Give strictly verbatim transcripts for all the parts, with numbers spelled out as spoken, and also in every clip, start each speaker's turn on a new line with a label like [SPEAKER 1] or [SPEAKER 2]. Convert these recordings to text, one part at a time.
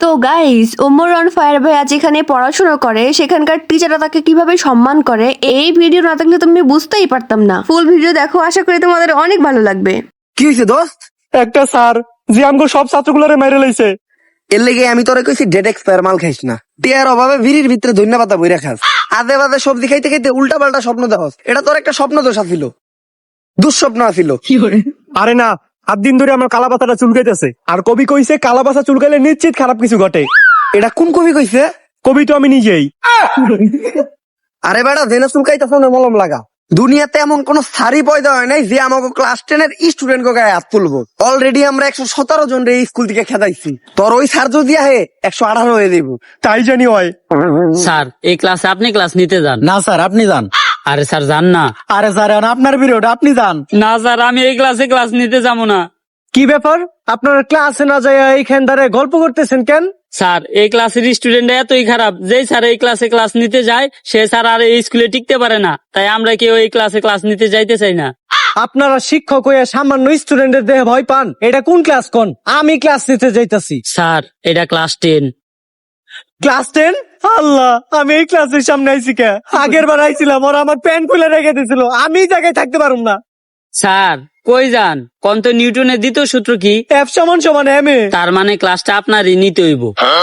[SPEAKER 1] তো guys, Omar on fire ভাইয়া যেখানে পড়াশোনা করে সেখানকার টিচাররা তাকে কিভাবে সম্মান করে এই ভিডিও না থাকলে তুমি বুঝতেই পারতাম না। ফুল ভিডিও দেখো, আশা করি তোমাদের অনেক ভালো লাগবে।
[SPEAKER 2] কি হয়েছে দোস্ত?
[SPEAKER 3] একটা স্যার যে আমগো সব ছাত্রগুলোরে মেরে লাইছে।
[SPEAKER 2] এর লেগে আমি তোরে কইছি ডেট এক্সপায়ার মাল খাইস না। টিয়ার অভাবে ভিড়ির ভিতরে ধন্যবাদ বইরা খাস। আদে বাদে সবজি খাইতে খাইতে উল্টা পাল্টা স্বপ্ন দেখস। এটা তোর একটা স্বপ্ন দোষ ছিল, দুঃস্বপ্ন আছিল।
[SPEAKER 3] আরে না, আট দিন ধরে আমার কালাপাতাটা চুলকাইতেছে। আর কবি কইছে কালাপাতা চুলকাইলে নিশ্চিত খারাপ কিছু ঘটে।
[SPEAKER 2] এটা কোন কবি কইছে?
[SPEAKER 3] কবি তো আমি নিজেই।
[SPEAKER 2] আরে বেটা, জেনে চুলকাইতেছ না মলম লাগা। দুনিয়াতে এমন কোন সারি পয়দা হয় নাই যে আমাকে ক্লাস টেন এর স্টুডেন্ট কে গায়ে হাত তুলবো। অলরেডি আমরা একশো সতেরো জন রে স্কুল থেকে খেদাইছি। তোর ওই সার যদি আহে একশো আঠারো হয়ে দিব।
[SPEAKER 3] তাই জানি হয়।
[SPEAKER 4] স্যার, এই ক্লাসে আপনি ক্লাস নিতে যান।
[SPEAKER 5] না স্যার, আপনি যান।
[SPEAKER 4] আরে স্যার, যান না।
[SPEAKER 5] আরে স্যার, আপনার পিরিয়ড, আপনি যান।
[SPEAKER 4] না স্যার, আমি এই ক্লাসে ক্লাস নিতে যাবো না।
[SPEAKER 3] কি ব্যাপার, আপনার ক্লাসে না যায় এইখান ধারে গল্প করতেছেন কেন?
[SPEAKER 4] স্যার, এই ক্লাসের স্টুডেন্ট এতই খারাপ, যেই স্যার এই ক্লাসে ক্লাস নিতে যায় সে স্যার আর এই স্কুলে টিকতে পারে না। তাই আমরা কেউ এই ক্লাসে ক্লাস নিতে যাইতে চাই না।
[SPEAKER 3] আপনারা শিক্ষক হয়ে সামান্য স্টুডেন্টের দেহে ভয় পান? এটা কোন ক্লাস কোন? আমি ক্লাস নিতে যাইতাছি।
[SPEAKER 4] স্যার, এটা ক্লাস টেন।
[SPEAKER 3] Class ten? আল্লাহ, আমি এই ক্লাসের সামনে আইছি কে? আগের বার আইছিলাম, ওরা আমার প্যান্ট খুলে রেখে দিয়েছিল। আমি এই জায়গায় থাকতে পারুম না।
[SPEAKER 4] স্যার, কই যান? কন্ত নিউটনের দ্বিতীয় সূত্র কি?
[SPEAKER 3] এফ সমান সমান এম এ।
[SPEAKER 4] তার মানে ক্লাসটা আপনারই নিতে হইব।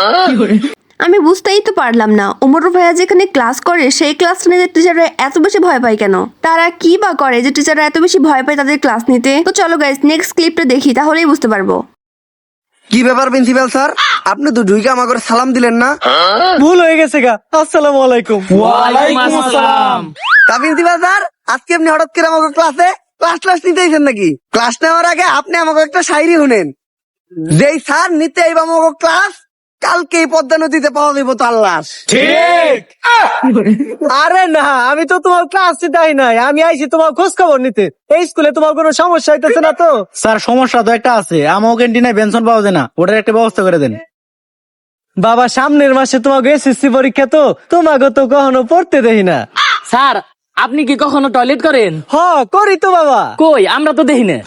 [SPEAKER 1] আমি বুঝতেই তো পারলাম না, ওমর ভাইয়া যেখানে ক্লাস করে সেই ক্লাস নিতে টিচাররা এত বেশি ভয় পায় কেন? তারা কি বা করে যে টিচাররা এত বেশি ভয় পায় তাদের ক্লাস নিতে? তো চলো গাইস, নেক্সট ক্লিপটা দেখি, তাহলেই বুঝতে পারবো।
[SPEAKER 2] কি ব্যাপার প্রিন্সিপাল স্যার, আপনি তো ঢুইকে আমাকে সালাম দিলেন না?
[SPEAKER 3] ভুল হয়ে গেছে গা। আসসালামু আলাইকুম।
[SPEAKER 4] ওয়ালাইকুম আসসালাম।
[SPEAKER 2] তা প্রিন্সিপাল স্যার, আজকে আপনি হঠাৎ করে আমাকে ক্লাসে ক্লাস ক্লাস নিতে এসেছেন নাকি? ক্লাস নেওয়ার আগে আপনি আমাকে একটা শায়রি শুনেন। যেই স্যার নিতে আইব আমাকে ক্লাস, কালকে এই পদ্মা নদীতে পাওয়া যাইব তার লাশ।
[SPEAKER 3] ঠিক। আরে না, আমি তো তোমার ক্লাস নিতে আই নাই, আমি আইছি তোমার খোঁজ খবর নিতে। এই স্কুলে তোমার কোনো সমস্যা হইতেছে না তো?
[SPEAKER 5] স্যার, সমস্যা তো একটা আছে, আমার ক্যান্টিনে বেনশন পাওয়া যায় না, ওটার একটা ব্যবস্থা করে দেন।
[SPEAKER 3] বাবা, সামনের মাসে তোমাকে এসএসসি পরীক্ষা, তো তোমাকে তো কখনো পড়তে দেখি না।
[SPEAKER 4] স্যার, আপনি কি কখনো টয়লেট করেন?
[SPEAKER 3] হ, করি তো বাবা।
[SPEAKER 4] কই, আমরা তো দেখি না।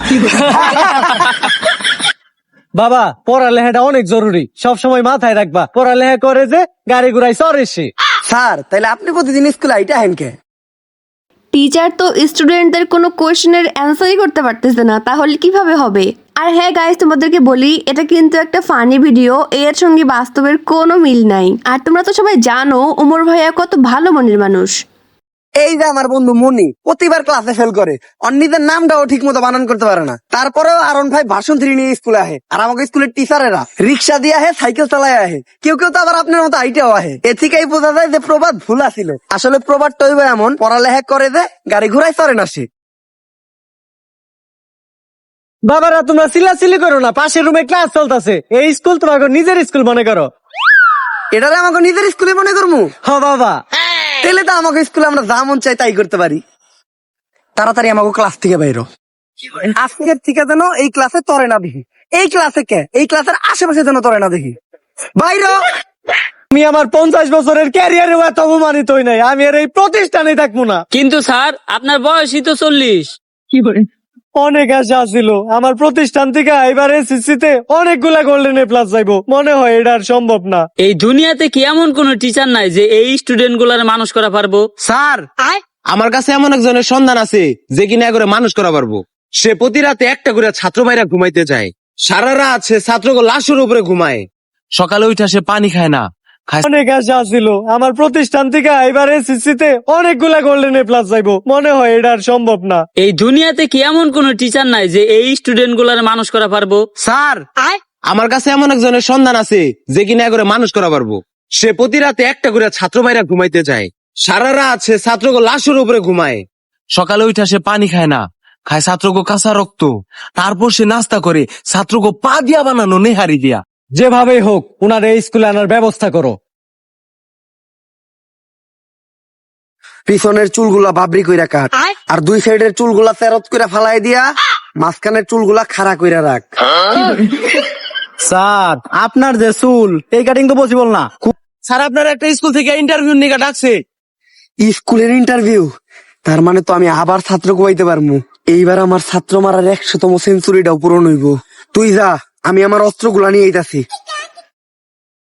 [SPEAKER 3] বাবা, পড়ালেখাটা অনেক জরুরি, সব সময় মাথায় রাখবা। পড়ালেখা করে যে গাড়ি ঘুরাই চড়ে সে।
[SPEAKER 2] স্যার, তাইলে আপনি প্রতিদিন স্কুলে আইটা হেন কে?
[SPEAKER 1] টিচার তো স্টুডেন্টদের কোনো কোয়েশ্চেনের অ্যান্সারই করতে পারতেছে না, তাহলে কিভাবে হবে? আর হ্যাঁ গাইস, তোমাদেরকে বলি, এটা কিন্তু একটা ফানি ভিডিও, এর সঙ্গে বাস্তবের কোনো মিল নাই। আর তোমরা তো সবাই জানো ওমর ভাইয়া কত ভালো মনের মানুষ।
[SPEAKER 2] এই যে আমার বন্ধু মনি, প্রতিবার ক্লাসে ফেল করে, অন্যদের নামটাও ঠিক মতো বানান করতে পারে না। তারপরেও আরন ভাই ভাষণ থ্রি নিয়ে স্কুলে আহে। আর আমাকে স্কুলের টিচারেরা রিক্সা দিয়ে আহে, সাইকেল চালায় আহে, কেউ কেউ তো আবার আপনার মতো আইটাও আহে। এ থেকেই বোঝা যায় যে প্রবাদ ভুল আছিল। আসলে প্রবাদ টইব এমন, পড়ালেখা করে যে গাড়ি ঘোড়ায় চড়ে না সে।
[SPEAKER 3] বাবারা, তোমরা চিল্লাচিল্লি করো না, পাশের রুমে ক্লাস চলতেছে। এই স্কুল তোমাকে নিজের স্কুল মনে করো।
[SPEAKER 2] এটারে আমাকে নিজের স্কুলে মনে করবো?
[SPEAKER 3] হ বাবা,
[SPEAKER 2] তাহলে তো আমাকে স্কুলে আমরা যা মন চাই তাই করতে পারি। তাড়াতাড়ি আমাকে ক্লাস থেকে বাইরো। আজকের থেকে যেন এই ক্লাসে তরে না দেখি। এই ক্লাসে কে, এই ক্লাসের আশেপাশে যেন তরে না দেখি। বাইরো।
[SPEAKER 3] আমি আমার পঞ্চাশ বছরের ক্যারিয়ারে এত অপমানিত হই নাই, আমি আর এই প্রতিষ্ঠানে থাকবো না।
[SPEAKER 4] কিন্তু স্যার, আপনার বয়সই তো চল্লিশ।
[SPEAKER 3] অনেক আশা ছিল আমার প্রতিষ্ঠান থেকে এবার এসএসসি তে অনেকগুলা গোল্ডেন এ প্লাস যাইবো, মনে হয় এটা আর সম্ভব না।
[SPEAKER 4] এই দুনিয়াতে কি এমন কোন টিচার নাই যে এই স্টুডেন্ট গুলার মানুষ করা পারবো?
[SPEAKER 6] স্যার, আমার কাছে এমন একজনের সন্ধান আছে যে কিনা করে মানুষ করা পারবো। সে প্রতি রাতে একটা করে ছাত্র ভাইরা ঘুমাইতে যায়, সারা রাত সে ছাত্রকে লাশের উপরে ঘুমায়, সকালে উঠে সে পানি খায় না।
[SPEAKER 3] অনেক আশা ছিল আমার প্রতিষ্ঠান থেকে এবার এসএসসি তে অনেকগুলা গোল্ডেন এ প্লাস যাইবো, মনে হয় এটা আর সম্ভব না।
[SPEAKER 4] এই দুনিয়াতে কি এমন কোন টিচার নাই যে এই স্টুডেন্ট গুলার মানুষ করা পারবো?
[SPEAKER 6] স্যার, আমার কাছে এমন একজনের সন্ধান আছে যে কিনা করে মানুষ করা পারবো। সে প্রতি রাতে একটা করে ছাত্র ভাইরা ঘুমাইতে যায়, সারা রাত সে ছাত্রকে লাশের উপরে ঘুমায়, সকালে উঠে সে পানি খায় না, খায় ছাত্রকে কাঁচা রক্ত, তারপর সে নাস্তা করে ছাত্রকে পা দিয়া বানানো নেহারি দিয়া।
[SPEAKER 3] যেভাবেই হোক উনার এই স্কুলে আনার ব্যবস্থা করো।
[SPEAKER 2] পিছনের চুলগুলা বাবরি কইরা কাট, আর দুই সাইডের চুলগুলা তেরত কইরা ফালাই দিয়া মাঝখানের চুলগুলা খাড়া কইরা রাখ।
[SPEAKER 5] স্যার, আপনার যে চুল, এই কাটিং তো পসিবল না।
[SPEAKER 6] স্যার, আপনার একটা স্কুল থেকে ইন্টারভিউ নিয়ে ডাকছে।
[SPEAKER 2] স্কুলের ইন্টারভিউ? তার মানে তো আমি আবার ছাত্র কোয়াইতে পারবো। এইবার আমার ছাত্র মারার একশোতম সেঞ্চুরিটাও পূরণ হইব। তুই যা, আমি আমার অস্ত্রগুলা নিয়ে আইতাছি।